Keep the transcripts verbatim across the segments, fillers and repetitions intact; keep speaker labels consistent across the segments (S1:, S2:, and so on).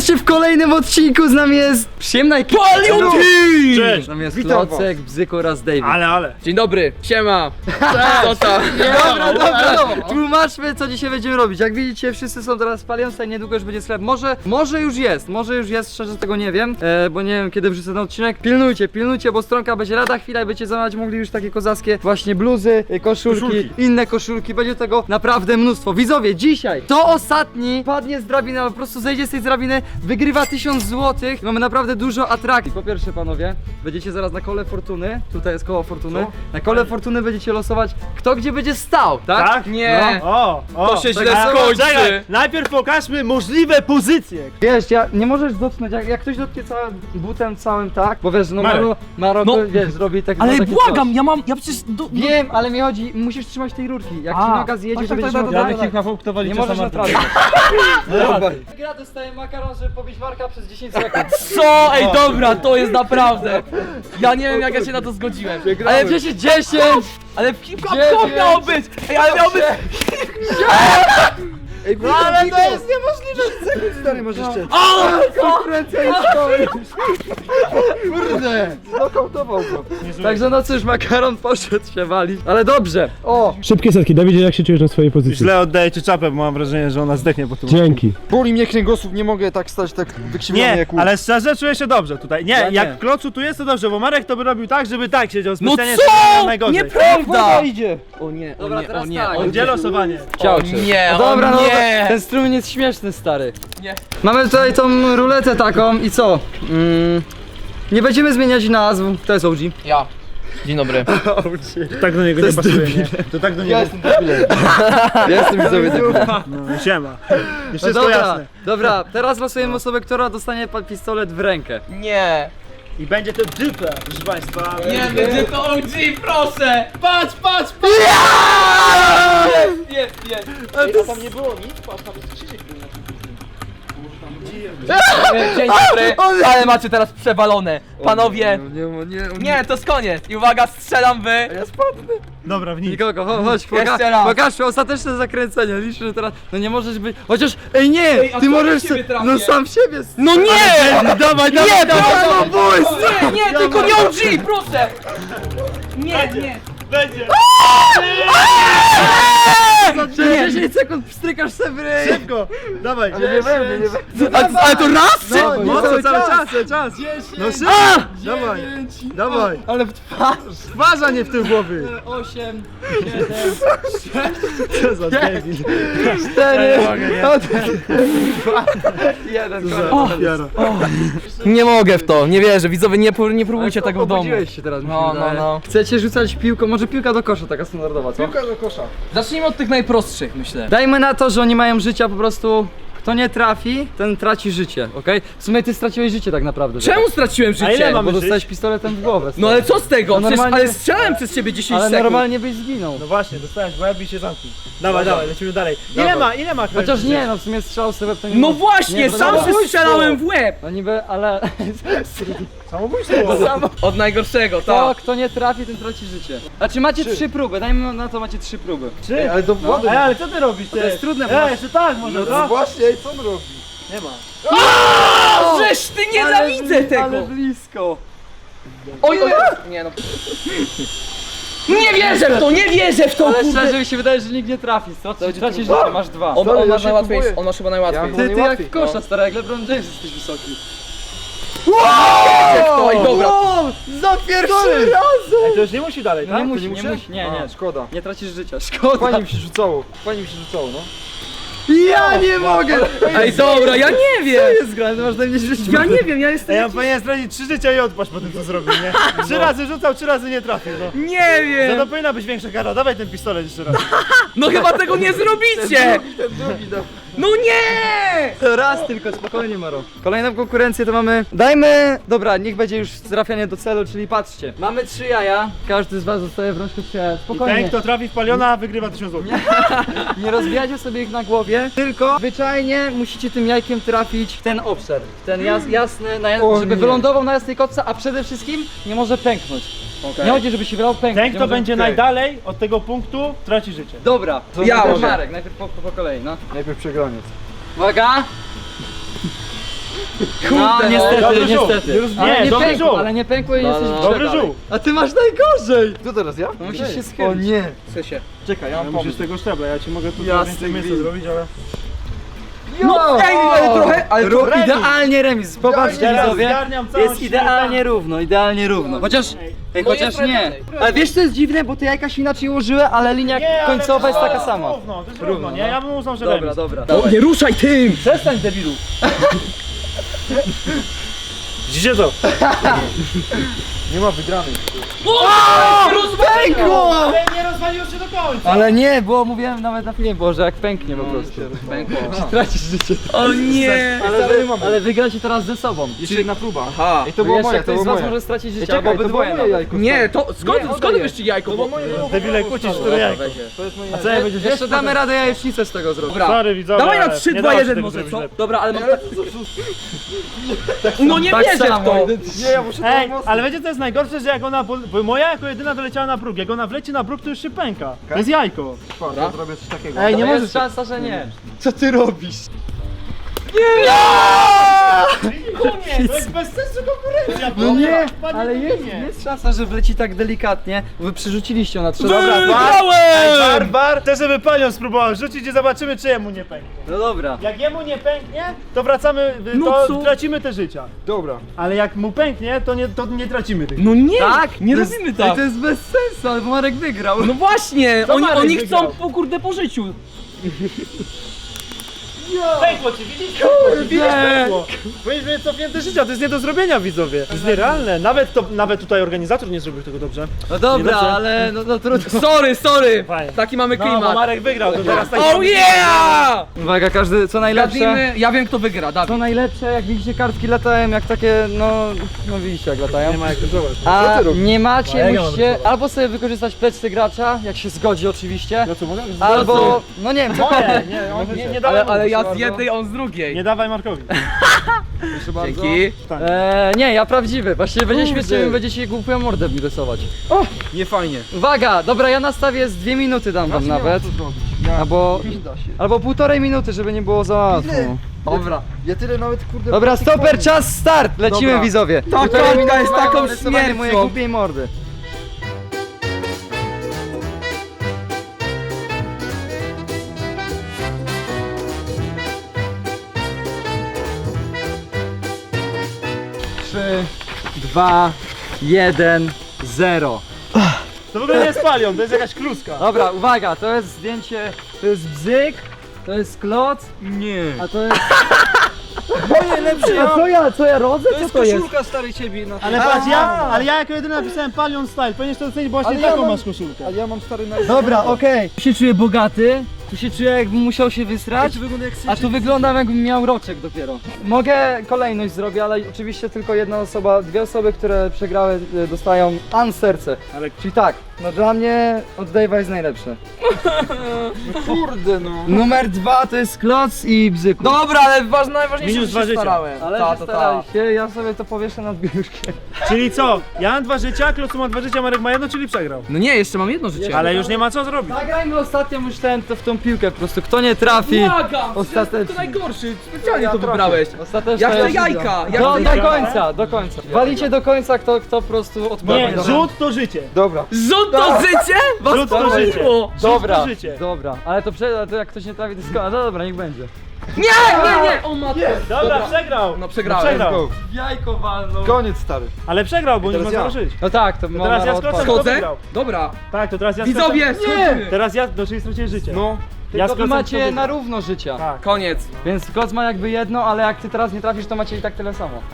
S1: Zobaczcie, w kolejnym odcinku z nami jest przyjemna ekipa.
S2: Palion Team!
S3: Cześć!
S1: Z nami jest
S3: Witam
S1: Klocek, Bzyk oraz David.
S3: Ale, ale.
S2: Dzień dobry, siema. Co tam?
S1: Dobra, dobra, tłumaczmy, co dzisiaj będziemy robić. Jak widzicie, wszyscy są teraz w Palionce, niedługo już będzie sklep. Może, może już jest, może już jest, szczerze tego nie wiem, e, bo nie wiem, kiedy wrzucę ten odcinek. Pilnujcie, pilnujcie, bo stronka będzie lada chwila i będziecie zamawiać mogli już takie kozackie właśnie bluzy, e, koszulki,
S3: Koszulki.
S1: inne koszulki. Będzie tego naprawdę mnóstwo. Widzowie, dzisiaj to ostatni padnie z drabiny, albo po prostu zejdzie z tej drabiny, wygrywa tysiąc złotych. Mamy naprawdę dużo atrakcji. Po pierwsze, panowie, będziecie zaraz na kole fortuny. Tutaj jest koło fortuny.
S3: Co?
S1: Na kole fortuny będziecie losować, kto gdzie będzie stał, tak?
S3: Tak?
S2: Nie.
S3: O, o.
S2: To się
S3: tak,
S2: źle
S3: ale
S2: skończy.
S3: czekaj, najpierw pokażmy możliwe pozycje.
S1: Wiesz, ja nie możesz dotknąć, jak, jak ktoś dotknie całym butem całym, tak? Bo wiesz, no
S3: Marek.
S1: Maro, Maro
S2: No.
S1: wiesz, zrobi tak.
S2: Ale
S1: takie
S2: błagam,
S1: coś.
S2: ja mam, ja przecież... Do, do...
S1: Wiem, ale mi chodzi, musisz trzymać tej rurki. Jak
S2: A.
S1: ci noga zjedzie,
S2: Tak,
S1: to
S2: tak,
S1: będziesz
S2: tak,
S1: miał
S2: tak,
S1: dalej.
S2: tak,
S3: na kto
S1: Nie możesz naprawić. Gra dostaje makaron, żeby pobić Marka przez dziesięć sekund.
S2: Co? Ej, dobra, to jest naprawdę... Ja nie wiem, jak ja się na to zgodziłem.
S1: Ale dziesięć, dziesięć!
S2: Ale kilka
S1: Dziewięć.
S2: to miało być! Ej, ale miało być...
S1: Ej,
S3: No ale to jest
S1: niemożliwe! Sekund stary możesz cię.
S2: O!
S1: Konkurencja jest Kurde! Znokautował go. Także no cóż, makaron poszedł się walić. Ale dobrze. O!
S4: Szybkie setki. Dawidzie, jak się czujesz na swojej pozycji?
S3: Źle oddaję ci czapę, bo mam wrażenie, że ona zdechnie po tym.
S4: Dzięki.
S5: Boli mnie kręgosłup, nie mogę tak stać tak wykrzywiony
S3: Nie,
S5: jak łuk.
S3: ale szczerze czuję się dobrze tutaj. Nie,
S1: Ja nie.
S3: jak Klocu tu jest, to dobrze, bo Marek to by robił tak, żeby tak siedział
S2: No
S3: specjalnie,
S2: co?
S3: żeby najgorzej.
S2: Nieprawda!
S5: idzie.
S2: O nie, o
S1: Dobra,
S2: nie,
S1: teraz
S2: o nie,
S1: tak.
S2: o
S3: Gdzie
S2: nie.
S3: losowanie?
S1: Ciao,
S2: O nie,
S1: No dobra,
S2: o
S1: no
S2: nie.
S1: ten strumień jest śmieszny, stary.
S2: Nie.
S1: Mamy tutaj tą ruletę taką i co? Mm, nie będziemy zmieniać nazw. To jest O G.
S2: Ja. Dzień dobry.
S3: To tak do niego nie pasuje, nie? To tak do niego.
S1: Ja jestem widzowie
S3: No, siema. Już
S1: No
S3: wszystko
S1: dobra,
S3: jasne.
S1: dobra, teraz losujemy osobę, która dostanie pa- pistolet w rękę.
S2: Nie.
S3: I będzie to dypa, proszę państwa.
S2: Nie, będzie to O G, proszę! Patrz, patrz, patrz! Jest, jest, jest.
S5: A tam nie było nic? Patrz, tam jest krzyżyk.
S2: Dzień dobry, ale macie teraz przewalone. Panowie,
S1: Nie, nie, nie.
S2: nie, to jest koniec. I uwaga, strzelam wy.
S1: Ja spadnę.
S3: Dobra, w nic.
S1: Nikogo, cho- chodź,
S2: Jeszcze
S1: poka
S2: raz.
S1: pokaż ostateczne zakręcenie. Liczę, że teraz. No nie możesz być. Chociaż. Ej nie!
S2: Ej, a
S1: Ty
S2: co
S1: możesz.
S2: jak ciebie
S1: se-
S2: trafię?
S1: No sam siebie. s-
S2: No nie!
S3: Dawaj,
S2: Nie,
S3: dawaj,
S2: dawaj,
S3: dawaj.
S2: Nie, nie, tylko nie O G, proszę! Nie, nie.
S3: Będzie.
S1: Za dziesięć sekund pstrykasz se w ryj.
S3: Szybko, dawaj.
S1: Nie będę, nie będę.
S2: A, ale to raz?
S1: No,
S3: No
S1: cały
S3: co, cały
S1: czas.
S3: czas, cały czas. No
S1: dziesięć,
S3: szybko. Dawaj,
S1: dziewięć,
S3: dawaj.
S1: Ale w twarz.
S3: Twarza nie w tym głowy.
S1: osiem, siedem,
S3: Co za debil.
S1: cztery,
S3: Nie mogę, nie.
S1: dwa, jeden.
S3: Jaro.
S2: Nie mogę w to, nie wierzę. Widzowie, nie, pró- nie próbujcie tego w domu.
S1: Obudziłeś się teraz, mi się
S2: No, no,
S1: wydaje.
S2: no.
S1: Chcecie rzucać piłką, może piłka do kosza, taka standardowa, co?
S5: Piłka do kosza.
S2: Zacznijmy od tych najprostszych, myślę.
S1: Dajmy na to, że oni mają życia po prostu. Kto nie trafi, ten traci życie, okej? W sumie ty straciłeś życie tak naprawdę.
S2: Czemu straciłem
S3: A ile
S2: życie?
S3: mamy
S1: Bo
S3: żyć?
S1: dostałeś pistoletem w głowę.
S2: No ale co z tego?
S1: No
S2: Przecież,
S1: normalnie-
S2: ale strzelałem przez ciebie dziesięć
S1: Ale
S2: sekund.
S1: normalnie byś zginął.
S3: No właśnie, dostałeś w łeb i się zamknij. Dawaj, dawaj, lecimy dalej. Ile
S1: Dawaj.
S3: ma, ile ma krew?
S1: Chociaż nie, no w sumie strzał sobie to nie
S2: No
S1: ma-
S2: właśnie,
S1: nie,
S2: sam
S1: no,
S2: się strzelałem w łeb.
S1: No niby, ale...
S3: Samobójstwo.
S2: Od najgorszego,
S1: To,
S2: tak.
S1: kto nie trafi, ten traci życie. Znaczy macie trzy próby, dajmy na to macie trzy próby.
S3: Trzy?
S5: Ale do wody.
S3: Ej, ale co ty robisz? Ty?
S1: To jest trudne, bo
S3: Ej,
S1: masz-
S3: jeszcze tak może,
S5: No
S3: no?
S5: właśnie, ej, co on robi?
S3: Nie ma.
S2: O, żeż ty nienawidzę
S1: Ale
S2: tego!
S1: blisko.
S2: Oj, oj, nie no. Nie wierzę w to, nie wierzę w to,
S1: Ale
S2: kurde.
S1: szczerze mi się wydaje, że nikt nie trafi. Tracisz, tracisz życie, masz dwa.
S2: On,
S5: Stary,
S2: on
S5: ja
S2: ma
S5: się
S2: najłatwiej,
S5: próbuję.
S2: on ma chyba najłatwiej.
S5: Ja-
S1: Ty, ty jak
S5: najłatwiej,
S1: w kosza, stary, jak LeBron James jesteś wysoki.
S2: Oj, dobra.
S1: Za pierwszy raz!
S3: Ej, to już nie musi dalej,
S1: No
S3: tak?
S1: nie
S3: To
S1: musi, nie musi, nie, nie.
S5: A, szkoda.
S1: Nie tracisz życia, szkoda.
S5: Fajnie mi się rzucało, fajnie mi się rzucało, no.
S1: Ja nie mogę!
S2: Ej, dobra, ja nie wiem.
S1: Co jest grane? Masz na mnie życie.
S2: Ja nie wiem, ja jestem
S3: Ej, ja
S2: jakiś...
S3: powinienem stracić trzy życia i odpaść po tym, co zrobił, nie? Trzy razy rzucał, trzy razy nie trafił, no.
S2: Nie
S3: Za to
S2: wiem.
S3: powinna być większa kara, dawaj ten pistolet jeszcze raz.
S2: No chyba tego nie zrobicie.
S1: Ten drugi, no.
S2: No nie!
S1: To raz tylko, spokojnie Maro. Kolejną konkurencję to mamy... Dajmy... Dobra, niech będzie już trafianie do celu, czyli patrzcie. Mamy trzy jaja, każdy z was dostaje w rączkę trzy jaja.
S3: I ten,
S1: Spokojnie.
S3: kto trafi w paliona, wygrywa tysiąc złotych.
S1: Nie rozbijajcie sobie ich na głowie, tylko zwyczajnie musicie tym jajkiem trafić w ten obszar. W ten jas, jasny, na,
S5: O
S1: żeby
S5: nie.
S1: wylądował na jasnej kotce, a przede wszystkim nie może pęknąć. Nie chodzi, żeby się wylał pęknąć.
S3: Ten,
S1: nie
S3: kto
S1: może-
S3: będzie
S1: Okej.
S3: najdalej od tego punktu, traci życie.
S1: Dobra, to
S2: Ja
S1: to
S2: mogę.
S1: Marek, najpierw po, po, po kolei, no.
S5: Najpierw przegraniec.
S1: Uwaga! No, niestety,
S3: Dobry żółw.
S1: niestety.
S3: Nie,
S1: Ale nie
S3: dobry
S1: pękło,
S3: żółw.
S1: ale nie pękło i jesteś
S3: Dobry
S1: dalej.
S3: żółw.
S1: A ty masz najgorzej!
S5: Co teraz ja?
S1: No musisz się
S5: O
S1: schylić.
S5: nie.
S2: Chce się.
S5: Czekaj, ja
S3: Ja
S5: mam
S3: musisz
S5: pomysł.
S3: tego szczebla, ja ci mogę tu
S5: Jasny
S3: więcej miejsca
S5: gwint.
S3: zrobić, ale...
S2: No ej, ale trochę, ale
S1: Rób
S3: remis.
S1: idealnie remis. Popatrzcie
S3: Teraz
S1: widzowie.
S3: zgarniam całą
S1: Jest
S3: siłę
S1: idealnie
S3: tam.
S1: równo, idealnie równo. Chociaż, ej,
S2: Moje
S1: chociaż
S2: trochę
S1: nie.
S2: dalej.
S1: Ale wiesz co jest dziwne, bo te jajka się inaczej ułożyły, ale linia
S3: Nie, ale
S1: końcowa
S3: to
S1: jest taka sama.
S3: Równo, to jest równo, nie? Ja bym uznał, że
S1: Dobra,
S3: remis.
S1: dobra.
S2: O, nie ruszaj tym!
S1: Przestań debilu.
S3: Widzicie to?
S5: Nie ma wygranej.
S1: Pękło!
S3: Ale nie rozwaliło się do końca.
S1: Ale nie, bo mówiłem nawet na filmie, było, że jak pęknie po prostu.
S2: Pękło.
S1: Tracisz życie.
S2: O nie!
S1: Ale, wy, ale wygracie teraz ze sobą.
S5: Jeszcze jedna próba.
S2: Aha.
S5: Ej, to było
S1: Jeszcze
S5: moje, to
S1: ktoś
S5: było
S1: z was
S5: moje.
S1: może stracić życie,
S5: Czekaj,
S1: albo
S5: to było
S1: obydwoje
S5: moje
S1: nawet.
S5: jajko.
S2: Nie, to skąd,
S1: Nie,
S2: skąd
S1: oddaj
S2: wyszli jajko? Bo...
S3: Debile, kłócisz, które jajko.
S5: To jest moje
S3: A co ja będziesz
S1: Jeszcze damy radę jajecznicę z tego zrobić.
S2: Dobra.
S3: Sorry widzowie,
S2: Dawaj na
S3: ale
S2: trzy,
S3: nie
S2: dwa,
S3: dało się
S2: jeden
S3: tego
S2: może,
S3: zrobić
S2: co?
S3: lepiej.
S2: Dobra, ale mam tak... No nie
S1: Tak
S2: wierzę w
S1: samo,
S2: to!
S5: Nie, ja muszę
S3: Ej,
S5: to
S3: ale wiecie co jest najgorsze, że jak ona, pol- bo moja jako jedyna doleciała na próg, jak ona wleci na próg, to już się pęka. To jest jajko.
S5: Dobra, zrobię coś takiego.
S3: Ej, nie
S1: Nie
S3: możesz...
S1: jest szansa, że nie.
S5: Co ty robisz?
S3: Nie, to jest bez sensu konkurencja.
S1: No nie,
S3: Panie
S1: ale jest,
S3: Dyminie.
S1: jest szansa, że wleci tak delikatnie, bo wy przerzuciliście ją na trzy. Dobra,
S3: Ej, Barbar, chcę, żeby panią spróbował rzucić i zobaczymy, czy jemu nie pęknie.
S1: no dobra.
S3: Jak jemu nie pęknie, to wracamy,
S2: No
S3: to
S2: co?
S3: tracimy te życia.
S5: Dobra.
S3: Ale jak mu pęknie, to nie, to nie tracimy tych.
S2: No nie!
S1: Tak?
S2: Nie
S1: To jest-
S2: robimy
S1: Ej,
S2: tak!
S1: to jest bez sensu, ale Marek wygrał.
S2: No właśnie!
S3: Co
S2: Oni,
S3: Marek
S2: oni
S3: wygrał?
S2: chcą po kurde po życiu!
S3: Pękło ci, widzisz? Kurde, widzisz, pękło. Powinieneś mieć cofnięte życia, to jest nie do zrobienia, widzowie. To jest nierealne. Nawet, to, nawet tutaj organizator nie zrobił tego dobrze.
S1: No dobra,
S3: Niedobrze.
S1: ale no, no trudno.
S2: Sorry, sorry!
S3: Fajnie.
S2: Taki mamy
S3: No, bo
S2: klimat.
S3: Marek wygrał, to teraz tak...
S2: Oh yeah!
S1: Uwaga, każdy, co najlepsze.
S2: Gadnijmy, ja wiem kto wygra,
S1: Co
S2: Dawid.
S1: najlepsze, jak widzicie kartki latają, jak takie, no, no widzicie jak latają.
S3: Nie ma jak to zobacz.
S1: A
S5: Co ty robisz?
S1: nie
S3: No,
S1: macie,
S3: jak ja mam
S1: musicie
S3: rysować?
S1: albo sobie wykorzystać plecy gracza, jak się zgodzi oczywiście,
S3: No co, mogę?
S1: albo, no nie wiem, cokolwiek.
S3: Nie, nie, on, nie, nie dawaj
S2: Ale,
S3: mu.
S2: ale ja z
S1: bardzo.
S2: jednej, on z drugiej.
S3: Nie dawaj Markowi.
S5: Proszę bardzo.
S2: Dzięki.
S1: Eee, nie, ja prawdziwy, właściwie będzie
S5: Kurde.
S1: śmiesznie, będziecie głupią mordę mi rysować.
S5: Nie fajnie.
S1: Uwaga, dobra, ja nastawię z dwie minuty dam wam nawet, albo,
S5: Nie da się.
S1: albo półtorej minuty, żeby nie było za łatwo.
S5: Ile?
S2: Dobra.
S5: Ja tyle nawet kurde...
S1: Dobra,
S5: praktyk
S1: stoper,
S5: mam.
S1: czas, start! Lecimy
S5: Dobra.
S1: widzowie.
S2: Ta
S1: Półtorej
S2: kartka
S1: minuty
S2: jest
S1: mają
S2: taką
S1: na rysowanie
S2: śmiercią.
S1: mojej głupiej mordy. Trzy, dwa, jeden, zero.
S3: To w ogóle nie jest palion, to jest jakaś kluska.
S1: Dobra, uwaga, to jest zdjęcie, to jest bzyk, to jest kloc,
S5: Nie.
S1: a to jest...
S5: Moje lepsze.
S1: A co ja, co ja rodzę?
S5: To
S1: Co
S5: jest
S1: to jest?
S5: koszulka starej ciebie na
S3: Ale patrz, ja, ale ja jako jedyny napisałem Palion Style, powinieneś to ocenić, bo właśnie
S5: Ale ja
S3: taką
S5: mam-
S3: masz koszulkę.
S5: A ja mam stary na...
S1: Dobra, okej. Tu się czuję bogaty, tu się czuję jakbym musiał się wysrać,
S5: wygląda jak
S1: a tu wyglądam jakbym miał roczek dopiero. Mogę kolejność zrobić, ale oczywiście tylko jedna osoba, dwie osoby, które przegrały e, dostają an serce.
S3: Ale
S1: Czyli tak, no dla mnie od Dave'a jest najlepsze.
S5: Kurde no.
S1: Numer dwa to jest kloc i bzyku.
S2: Dobra, ale ważne, najważniejsze,
S3: Minus
S2: że
S3: dwa
S2: się
S3: życia.
S2: starałem.
S1: Ale
S2: ta,
S1: się
S2: to
S1: starali
S2: ta.
S1: się, ja sobie to powieszę nad biurkiem.
S3: Czyli co? Ja mam dwa życia, Klocu ma dwa życia, Marek ma jedno, czyli przegrał.
S2: No nie, jeszcze mam jedno życie.
S3: Ale już nie ma co zrobić.
S1: Zagrajmy ostatnio już ten, to w tą piłkę po prostu, kto nie trafi.
S2: Błagam!
S1: Ostatecznie.
S2: To najgorszy, specjalnie
S5: Ja
S2: to
S5: trafię.
S2: wybrałeś.
S1: Ostatecznie
S2: Ja chcę
S1: jest-
S2: jajka, ja
S1: Do,
S2: chcę
S1: do
S2: jajka.
S1: końca, do końca. Walicie do końca, kto, kto po prostu odpadnie.
S3: Nie,
S1: Dobra.
S3: rzut to życie.
S5: Dobra.
S2: Rzut to życie? Was
S3: Rzut to
S2: to
S3: życie.
S2: żyło.
S1: Dobra,
S3: to życie.
S1: dobra, ale to, prze, to jak ktoś nie trafi, to jest ko- no dobra, niech będzie.
S2: Nie, nie, nie! O matko.
S3: Dobra, przegrał.
S2: No przegrałem.
S3: Przegrał.
S5: Go.
S1: Jajko walną.
S5: Koniec stary.
S3: Ale przegrał, bo nie ma
S5: teraz ja.
S3: co żyć.
S1: No tak, to,
S3: teraz
S1: ma
S3: ja
S1: na
S3: skoczę.
S1: odpad-
S3: Kto
S2: Schodzę?
S3: wygrał?
S2: Dobra.
S3: Tak, to teraz ja
S2: Widzowie,
S3: skoczę.
S2: schodzimy.
S3: Teraz ja, no czyli straciłeś życie.
S5: No.
S3: Ja
S1: Tylko wy
S3: skoczę,
S1: macie
S3: kto
S1: na
S3: wygrał.
S1: równo życia.
S3: Tak.
S2: Koniec.
S1: Więc Kloc ma jakby jedno, ale jak ty teraz nie trafisz, to macie i tak tyle samo.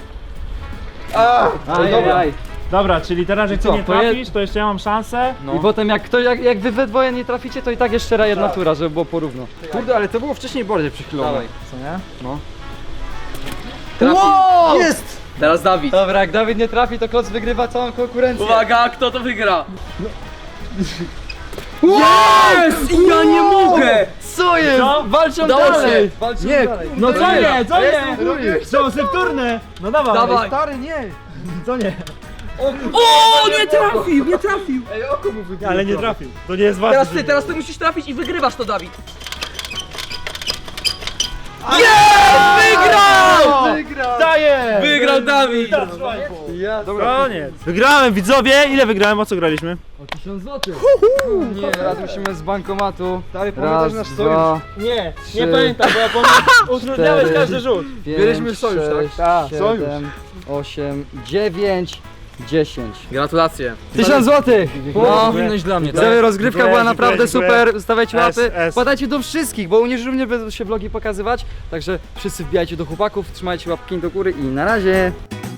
S5: A,
S1: Ajajaj.
S3: Dobra, czyli teraz jak ty
S5: co,
S3: nie
S1: to je-
S3: trafisz, to jeszcze ja mam szansę.
S5: No.
S1: I potem jak, kto, jak, jak wy we dwoje nie traficie, to i tak jeszcze raz jedna tura, żeby było porówno.
S5: Kurde, ale to było wcześniej bardziej przychylone.
S1: Dawaj.
S3: Co nie?
S2: Trafi.
S1: Wow!
S5: Jest!
S2: Teraz Dawid.
S1: Dobra, jak Dawid nie trafi, to Kloc wygrywa całą konkurencję.
S2: Uwaga, kto to wygra? Yes! I ja nie mogę!
S1: Co jest?
S3: Co?
S1: Walczą
S2: Udało
S1: dalej!
S2: się.
S1: Walczą
S5: Nie,
S1: dalej.
S3: No co nie, co nie?
S5: drugi.
S3: Co, septurne? No dawaj.
S2: Dawaj.
S5: Stary, nie!
S3: Co nie?
S2: O, nie trafił, nie trafił!
S5: Ej, oko mu wybiło.
S3: Ale nie trafił. To nie jest ważne.
S2: Teraz ty, teraz ty musisz trafić i wygrywasz to, Dawid.
S1: Wygrał!
S2: Wygrał Dawid!
S1: Ja,
S3: Koniec. Wygrałem, widzowie. Ile wygrałem? O co graliśmy?
S1: o tysiąc złotych. Nie, teraz musimy z bankomatu.
S5: Stary, pamiętasz
S1: Raz,
S5: nasz
S1: dwa,
S3: Nie,
S1: Trzy,
S3: nie pamiętam, bo ja pamiętam. Utrudniałeś
S1: cztery,
S3: każdy rzut.
S1: pięć,
S5: Mieliśmy sojusz, tak?
S1: sześć,
S3: Tak,
S1: siedem, osiem, dziewięć, dziesięć.
S2: Gratulacje.
S1: Tysiąc złotych! No,
S2: Powinność dla mnie, tak?
S1: Widzowie, rozgrywka
S3: Dziękuję,
S1: była naprawdę
S3: dziękuję,
S1: super, stawiajcie
S3: S,
S1: łapy,
S3: S.
S1: wpadajcie do wszystkich, bo u nich również będą się vlogi pokazywać, także wszyscy wbijajcie do chłopaków, trzymajcie łapki do góry i na razie!